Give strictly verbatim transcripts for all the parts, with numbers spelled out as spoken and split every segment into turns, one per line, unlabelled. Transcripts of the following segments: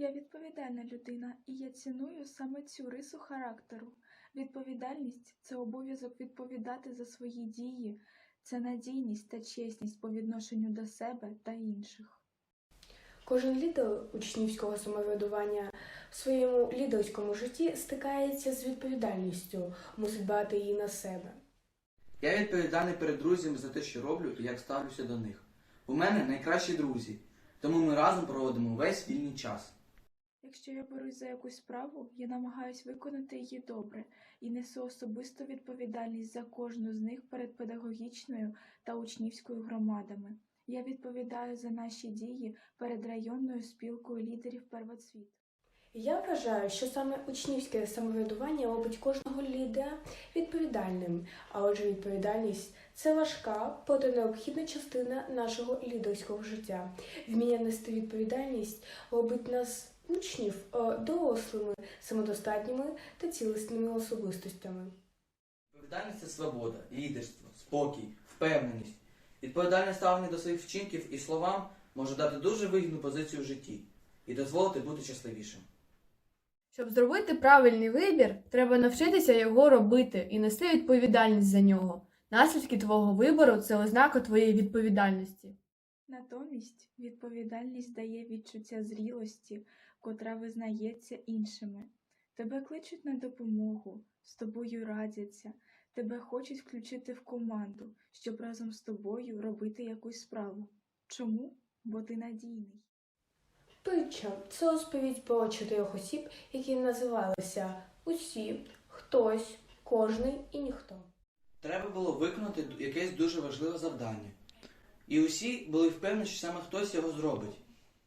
Я відповідальна людина, і я ціную саме цю рису характеру. Відповідальність – це обов'язок відповідати за свої дії, це надійність та чесність по відношенню до себе та інших.
Кожен лідер учнівського самоврядування в своєму лідерському житті стикається з відповідальністю, мусить брати її на себе.
Я відповідальний перед друзями за те, що роблю і як ставлюся до них. У мене найкращі друзі, тому ми разом проводимо весь вільний час.
Якщо я берусь за якусь справу, я намагаюсь виконати її добре і несу особисту відповідальність за кожну з них перед педагогічною та учнівською громадами. Я відповідаю за наші дії перед районною спілкою лідерів первоцвіт.
Я вважаю, що саме учнівське самоврядування робить кожного лідера відповідальним, а отже відповідальність – це важка, проте необхідна частина нашого лідерського життя. Вміння нести відповідальність робить нас учнів дорослими, самодостатніми та цілісними особистостями.
Відповідальність – це свобода, лідерство, спокій, впевненість. Відповідальне ставлення до своїх вчинків і словам може дати дуже вигідну позицію в житті і дозволити бути щасливішим.
Щоб зробити правильний вибір, треба навчитися його робити і нести відповідальність за нього. Наслідки твого вибору – це ознака твоєї відповідальності.
Натомість відповідальність дає відчуття зрілості, котра визнається іншими. Тебе кличуть на допомогу, з тобою радяться, тебе хочуть включити в команду, щоб разом з тобою робити якусь справу. Чому? Бо ти надійний.
Притча – це розповідь про чотирьох осіб, які називалися «Усі», «Хтось», «Кожний» і «Ніхто».
Треба було виконати якесь дуже важливе завдання. І усі були впевнені, що саме хтось його зробить.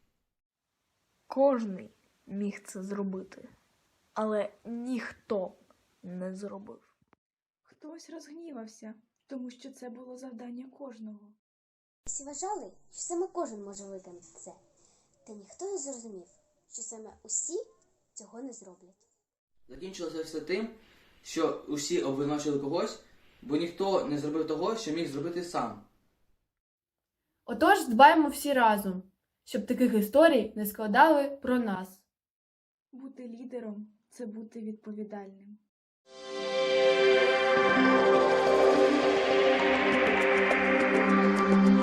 Кожний міг це зробити, але ніхто не зробив.
Хтось розгнівався, тому що це було завдання кожного.
Всі вважали, що саме кожен може виконати це. Та ніхто не зрозумів, що саме усі цього не зроблять.
Закінчилося все тим, що усі обвинувачили когось, бо ніхто не зробив того, що міг зробити сам.
Отож, дбаємо всі разом, щоб таких історій не складали про нас.
Бути лідером – це бути відповідальним.
Thank you.